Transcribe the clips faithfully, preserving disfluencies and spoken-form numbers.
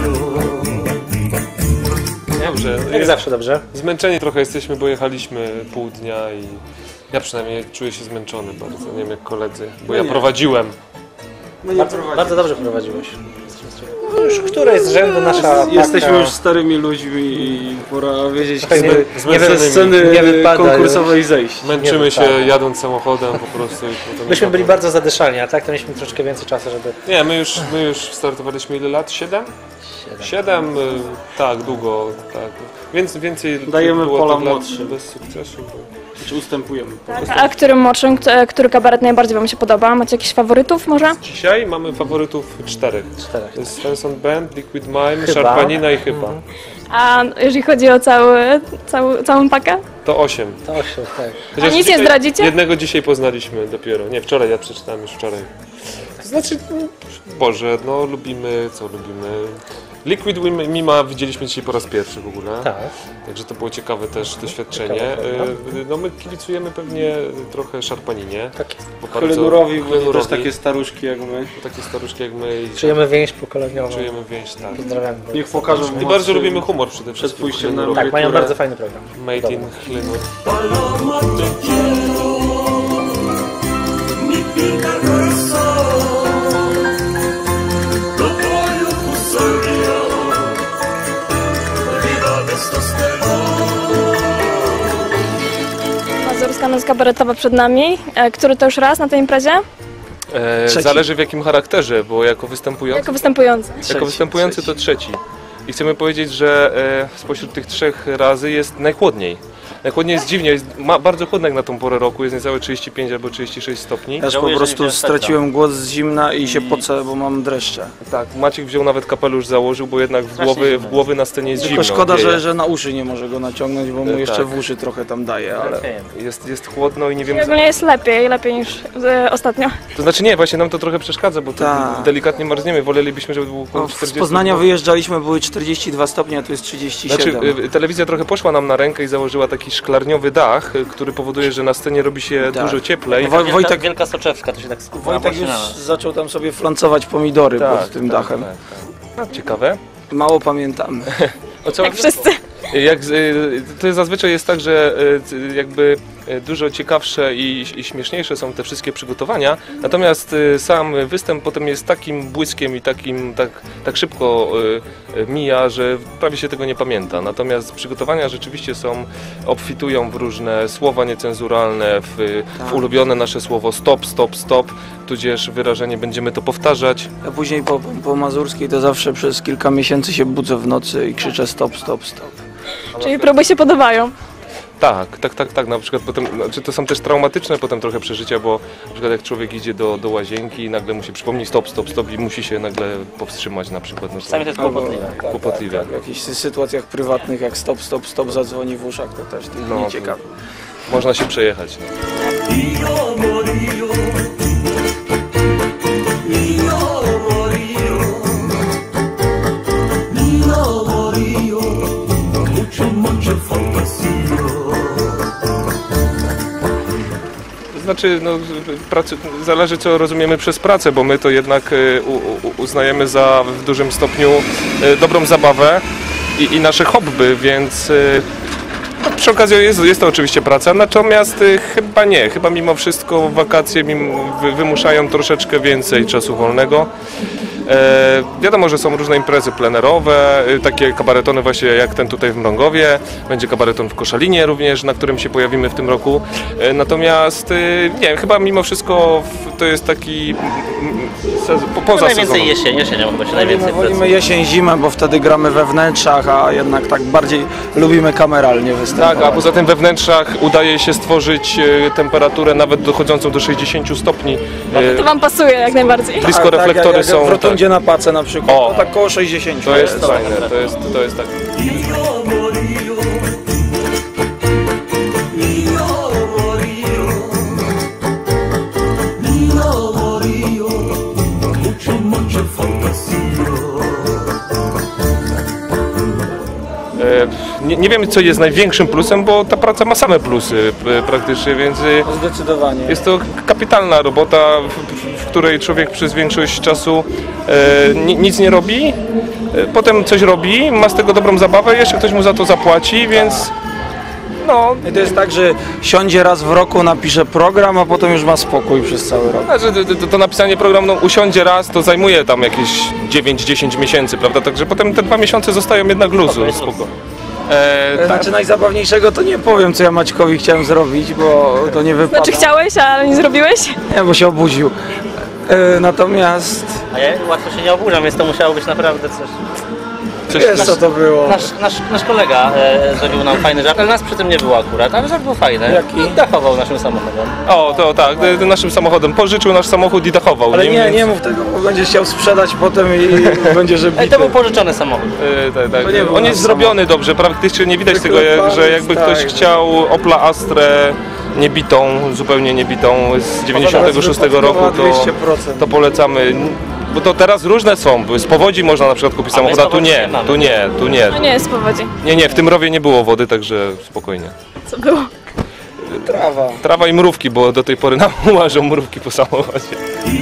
Dobrze. Jak zawsze dobrze. Zmęczeni trochę jesteśmy, bo jechaliśmy pół dnia i ja przynajmniej czuję się zmęczony bardzo, nie wiem jak koledzy, bo ja prowadziłem. Bardzo, bardzo dobrze prowadziłeś. No już któreś z rzędu nasza Jesteśmy taka... już starymi ludźmi i pora wiedzieć, nie, nie ze sceny nie wypada konkursowej już. zejść. Męczymy się jadąc samochodem po prostu. I potem Myśmy byli bardzo zadyszani, a tak to mieliśmy troszkę więcej czasu, żeby... Nie, my już, my już startowaliśmy ile lat? Siedem? Siedem, y, tak, długo, tak. Więc więcej Dajemy było pola tych lat młodszym. bez sukcesu. Bo... Czy ustępujemy? Tak, a którym młodszym, który kabaret najbardziej wam się podoba? Macie jakichś faworytów może? Dzisiaj mamy faworytów czterech. Czterech. To jest Svensson Band, Liquid Mime, Chyba. Szarpanina i Chyba. A jeżeli chodzi o cały, cały, całą pakę? To osiem. To osiem, tak. Chociaż A nic nie dzisiaj- zdradzicie? Jednego dzisiaj poznaliśmy dopiero. Nie, wczoraj, ja przeczytałem już wczoraj. To znaczy, Boże, no lubimy, co lubimy. Liquid Mima widzieliśmy dzisiaj po raz pierwszy w ogóle. Tak. Także to było ciekawe też doświadczenie. Ciekawe, Y, no my kibicujemy pewnie trochę Szarpaninie. Tak jest. Bo bardzo- Chlenurowi, bo to też Chlenurowi, takie staruszki jak my. takie staruszki jak my. i Czujemy więź pokoleniową. czujemy więź, tak. Pozdrawiamy. Niech pokażą I mocy bardzo lubimy humor przede wszystkim. przed pójściem na Chlenurowi. robię. Tak, mają które- bardzo fajny program. Made in Chlenur. Mazurska noc kabaretowa przed nami. E, Który to już raz na tej imprezie? E, Trzeci. zależy w jakim charakterze, bo jako występujący, Jako występujący. jako Trzeci, występujący trzeci. to trzeci. I chcemy powiedzieć, że e, spośród tych trzech razy jest najchłodniej. Najchłodniej jest dziwnie, jest ma, bardzo chłodno jak na tą porę roku, jest niecałe trzydzieści pięć albo trzydzieści sześć stopni. Ja po prostu straciłem głos z zimna i się pocę, bo mam dreszcze. Tak, Maciek wziął nawet kapelusz, założył, bo jednak w głowy, w głowy na scenie jest Tylko zimno. szkoda, wieje. że, że na uszy nie może go naciągnąć, bo mu E, jeszcze tak. w uszy trochę tam daje, ale... Jest, jest chłodno i nie I wiemy... ogólnie jest lepiej, lepiej niż e, ostatnio. To znaczy nie, właśnie nam to trochę przeszkadza, bo to Tak. delikatnie marzniemy, wolelibyśmy, żeby było No, około z czterdzieści. Poznania wyjeżdżaliśmy, były czterdzieści dwa stopnie, a tu jest trzydzieści siedem. Znaczy, y, telewizja trochę poszła nam na rękę i założyła taki szklarniowy dach, y, który powoduje, że na scenie robi się Tak. dużo cieplej. Woj- Wojtek, Wielka Soczewska, to się tak skupia Wojtek już na nas. zaczął tam sobie flancować pomidory pod tym dachem. Tak, tak. Ciekawe. Mało pamiętamy. O co? Jak wszyscy. Jak, y, to zazwyczaj jest tak, że y, jakby y, dużo ciekawsze i, i śmieszniejsze są te wszystkie przygotowania, natomiast y, sam występ potem jest takim błyskiem i takim tak, tak szybko y, y, mija, że prawie się tego nie pamięta. Natomiast przygotowania rzeczywiście są, obfitują w różne słowa niecenzuralne, w, w ulubione nasze słowo stop, stop, stop, tudzież wyrażenie będziemy to powtarzać. A później po, po mazurskiej to zawsze przez kilka miesięcy się budzę w nocy i krzyczę stop, stop, stop. Czyli próby się podobają. Tak, tak, tak, tak. Na przykład potem, znaczy to są też traumatyczne potem trochę przeżycia, bo na przykład jak człowiek idzie do, do łazienki i nagle mu się przypomni stop, stop, stop i musi się nagle powstrzymać na przykład. No, Czasami to jest kłopotliwe. Tak, Kłopotliwe. tak, tak. W jakichś sytuacjach prywatnych jak stop, stop, stop zadzwoni w uszach, to też No, no, nieciekawe. Można się przejechać. To znaczy, no, pracy, zależy co rozumiemy przez pracę, bo my to jednak y, u, u, uznajemy za w dużym stopniu y, dobrą zabawę i, i nasze hobby, więc y, no, przy okazji jest, jest to oczywiście praca, natomiast y, chyba nie, chyba mimo wszystko wakacje mimo, wy, wymuszają troszeczkę więcej czasu wolnego. E, wiadomo, że są różne imprezy plenerowe, y, takie kabaretony właśnie jak ten tutaj w Mrągowie, będzie kabareton w Koszalinie również, na którym się pojawimy w tym roku. E, natomiast y, nie wiem, chyba mimo wszystko w, to jest taki mm, sezon, po, poza Najwięcej sezonem. jesień, jesienią chyba się My najwięcej wolimy pracuje. jesień, zimę, bo wtedy gramy we wnętrzach, a jednak tak bardziej lubimy kameralnie występować. Tak, a poza tym we wnętrzach udaje się stworzyć e, temperaturę nawet dochodzącą do sześćdziesięciu stopni. E, To wam pasuje jak najbardziej. blisko tak, reflektory jak, jak są. w rotundzie na Pace na przykład, O. to tak koło sześćdziesięciu. To jest fajne, to jest, to jest tak. E, Nie, nie wiem co jest największym plusem, bo ta praca ma same plusy e, praktycznie, więc e, Zdecydowanie. jest to kapitalna robota, w, w której człowiek przez większość czasu e, ni, nic nie robi, y, potem coś robi, ma z tego dobrą zabawę, jeszcze ktoś mu za to zapłaci, więc no... I to jest tak, że siądzie raz w roku, napisze program, a potem już ma spokój przez cały rok. A, że to, to, to napisanie programu no, usiądzie raz, to zajmuje tam jakieś dziewięć dziesięć miesięcy, prawda? Także potem te dwa miesiące zostają jednak luzu. Spoko. E, tak. Znaczy najzabawniejszego to nie powiem, co ja Maćkowi chciałem zrobić, bo to nie wypada. Znaczy chciałeś, ale nie zrobiłeś? Nie, bo się obudził. E, natomiast... A ja łatwo się nie oburzam, więc to musiało być naprawdę coś. Coś, Wiesz co to było? Nasz, nasz, nasz kolega e, zrobił nam fajny żart, ale nas przy tym nie było akurat, ale żart był fajny. Jaki? I dachował naszym samochodem. O, to tak, e, naszym samochodem. Pożyczył nasz samochód i dachował. Ale nim, nie, więc- nie mów tego, bo będziesz chciał sprzedać potem i będzie, że E, bity. to był pożyczony samochód. E, tak, tak. To nie był On nasz jest zrobiony dobrze, praktycznie nie widać tego, jak, Wyklepany, że jakby tak. ktoś chciał Opla Astrę niebitą, zupełnie niebitą z dziewięćdziesiątego szóstego roku, to, dwieście procent. to polecamy. Bo to teraz różne są, z powodzi można na przykład kupić A my samochód, z a tu powodzi nie, nie mamy. tu nie, tu nie. No nie jest z powodzi. Nie, nie, w tym rowie nie było wody, także spokojnie. Co było? Trawa. Trawa i mrówki, bo do tej pory nam łażą mrówki po samochodzie.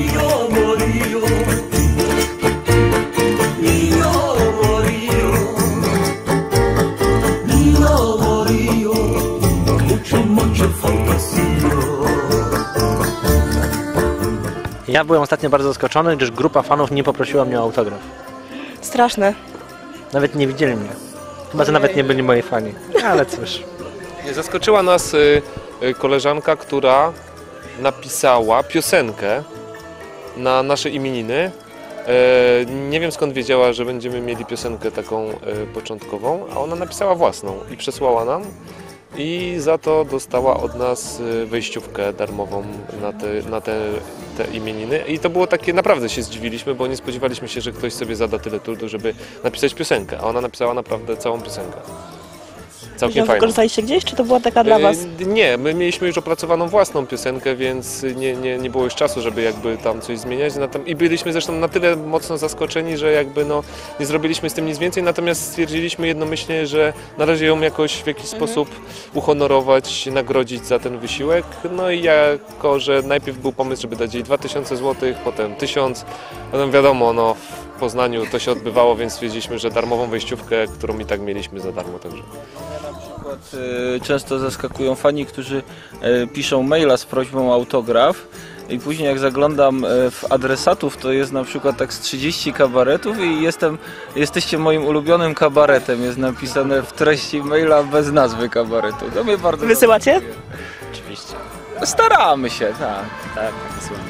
Ja byłem ostatnio bardzo zaskoczony, gdyż grupa fanów nie poprosiła mnie o autograf. Straszne. Nawet nie widzieli mnie. Chyba, że nawet nie byli moi fani. Ale cóż. Zaskoczyła nas y, y, koleżanka, która napisała piosenkę na nasze imieniny. E, nie wiem skąd wiedziała, że będziemy mieli piosenkę taką e, początkową, a ona napisała własną i przesłała nam. I za to dostała od nas y, wejściówkę darmową na te, na te, te imieniny. I to było takie, naprawdę się zdziwiliśmy, bo nie spodziewaliśmy się, że ktoś sobie zada tyle trudu, żeby napisać piosenkę. A ona napisała naprawdę całą piosenkę. Całkiem Ją fajną. wykorzystaliście gdzieś, czy to była taka dla was? E, Nie, my mieliśmy już opracowaną własną piosenkę, więc nie, nie, nie było już czasu, żeby jakby tam coś zmieniać. Natom- I byliśmy zresztą na tyle mocno zaskoczeni, że jakby no nie zrobiliśmy z tym nic więcej, natomiast stwierdziliśmy jednomyślnie, że należy ją jakoś w jakiś sposób uhonorować, nagrodzić za ten wysiłek. No i jako, że najpierw był pomysł, żeby dać jej dwa tysiące złotych, potem tysiąc, potem wiadomo, no w Poznaniu to się odbywało, więc stwierdziliśmy, że darmową wejściówkę, którą i tak mieliśmy za darmo także. Y, Często zaskakują fani, którzy y, piszą maila z prośbą o autograf i później jak zaglądam y, w adresatów, to jest na przykład tak z trzydzieści kabaretów i jestem, jesteście moim ulubionym kabaretem, jest napisane w treści maila bez nazwy kabaretu. To mnie bardzo Wysyłacie? Oczywiście. staramy się, tak. Tak, tak wysyłam.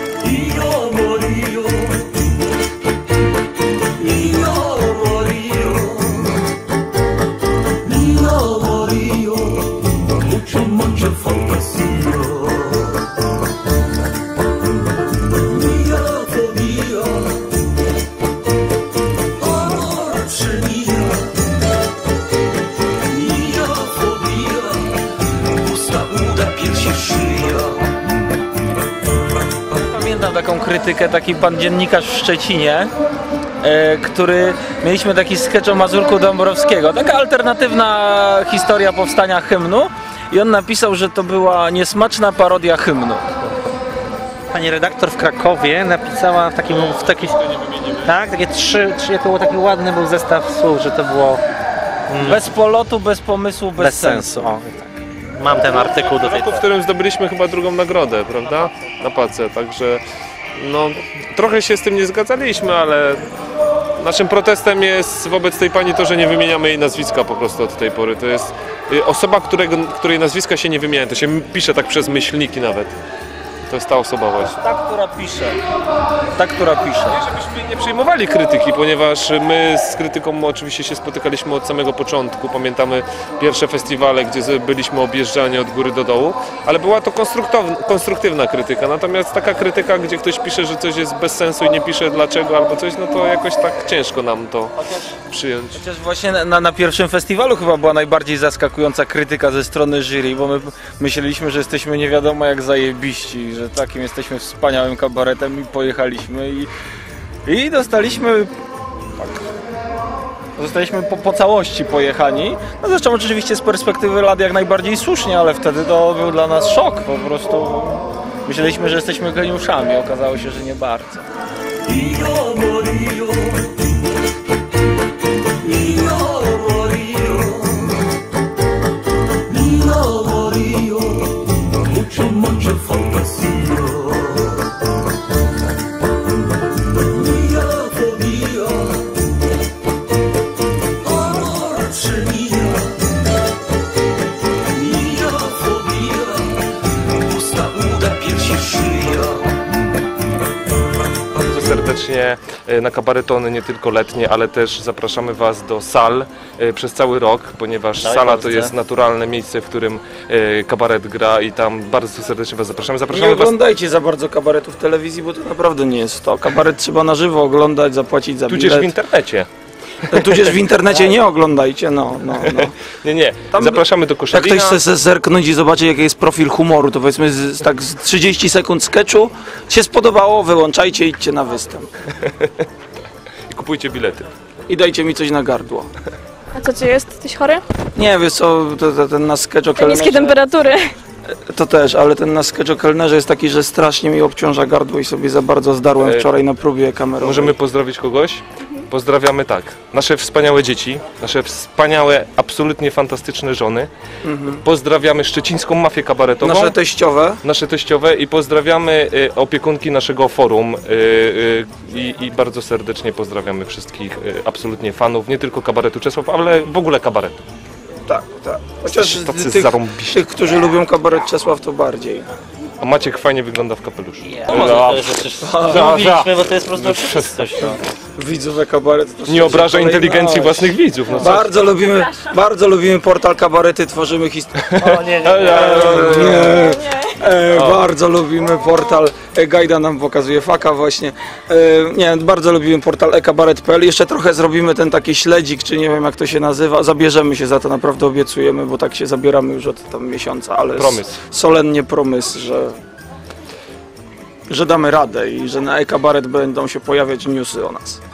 Pamiętam taką krytykę, taki pan dziennikarz w Szczecinie, e, który, mieliśmy taki sketch o Mazurku Dąbrowskiego, taka alternatywna historia powstania hymnu i on napisał, że to była niesmaczna parodia hymnu. Pani redaktor w Krakowie napisała w takim... W taki, tak, takie trzy, trzy, to był taki ładny był zestaw słów, że to było mm, Bez polotu, bez pomysłu, bez, bez sensu. sensu. O, tak. Mam ten artykuł do tej roku, w którym zdobyliśmy chyba drugą nagrodę, prawda? Na pace, także no trochę się z tym nie zgadzaliśmy, ale naszym protestem jest wobec tej pani to, że nie wymieniamy jej nazwiska po prostu od tej pory. To jest y, osoba, którego, której nazwiska się nie wymienia, to się pisze tak przez myślniki nawet. To jest ta osoba właśnie. Ta, która pisze. Ta, która pisze. Żebyśmy nie przyjmowali krytyki, ponieważ my z krytyką oczywiście się spotykaliśmy od samego początku. Pamiętamy pierwsze festiwale, gdzie byliśmy objeżdżani od góry do dołu, ale była to konstruktywna krytyka. Natomiast taka krytyka, gdzie ktoś pisze, że coś jest bez sensu i nie pisze dlaczego albo coś, no to jakoś tak ciężko nam to przyjąć. Chociaż właśnie na, na pierwszym festiwalu chyba była najbardziej zaskakująca krytyka ze strony jury, bo my myśleliśmy, że jesteśmy nie wiadomo jak zajebiści, że takim jesteśmy wspaniałym kabaretem i pojechaliśmy i, i dostaliśmy tak, zostaliśmy po, po całości pojechani. No zresztą oczywiście z perspektywy lat jak najbardziej słusznie, ale wtedy to był dla nas szok, po prostu myśleliśmy, że jesteśmy geniuszami, okazało się, że nie bardzo. e, na kabaretony nie tylko letnie, ale też zapraszamy Was do sal e, przez cały rok, ponieważ Tak, sala to Polsce. jest naturalne miejsce, w którym e, kabaret gra i tam bardzo serdecznie Was zapraszamy. Nie Zapraszamy Was. oglądajcie za bardzo kabaretu w telewizji, bo to naprawdę nie jest to. Kabaret trzeba na żywo oglądać, zapłacić za Tudzież w bilet. internecie. Tudzież w internecie nie oglądajcie, no, no, no. Nie, nie. Tam- Zapraszamy do Jak Koszalina. ktoś chce se zerknąć i zobaczyć, jaki jest profil humoru, to powiedzmy z, tak z trzydzieści sekund sketchu się spodobało, wyłączajcie, idźcie na występ. I kupujcie bilety. I dajcie mi coś na gardło. A co ci jest? Jesteś chory? Nie, wiesz co, to, to, ten nasz sketch o Te niskie kelnerze, temperatury. to też, ale ten nasz sketch o kelnerze jest taki, że strasznie mi obciąża gardło i sobie za bardzo zdarłem E, wczoraj na próbie kamerowej. Możemy pozdrowić kogoś? Pozdrawiamy tak. Nasze wspaniałe dzieci, nasze wspaniałe, absolutnie fantastyczne żony. Pozdrawiamy szczecińską mafię kabaretową. Nasze teściowe. nasze teściowe i pozdrawiamy y, opiekunki naszego forum y, y, i, i bardzo serdecznie pozdrawiamy wszystkich y, absolutnie fanów, nie tylko kabaretu Czesław, ale w ogóle kabaretu. Tak, tak. Chociaż Tacy tych, zarąbiści. tych, którzy lubią kabaret Czesław, to bardziej. A Maciek fajnie wygląda w kapeluszu. No może to jest przecież mówiliśmy, bo to jest po prostu oczywistość. No. Widzowe kabaret. To Nie obraża kolejna- inteligencji własnych widzów. No co? Bardzo lubimy, bardzo lubimy portal Kabarety, tworzymy historię. O nie, nie, nie. Nie, e, bardzo lubimy portal, e, Gajda nam pokazuje faka właśnie. E, nie, bardzo lubimy portal e kabaret kropka p l. Jeszcze trochę zrobimy ten taki śledzik, czy nie wiem jak to się nazywa. Zabierzemy się za to, naprawdę obiecujemy, bo tak się zabieramy już od tam miesiąca, ale Promysł. s- solennie promysł, że, że damy radę i że na e kabaret będą się pojawiać newsy o nas.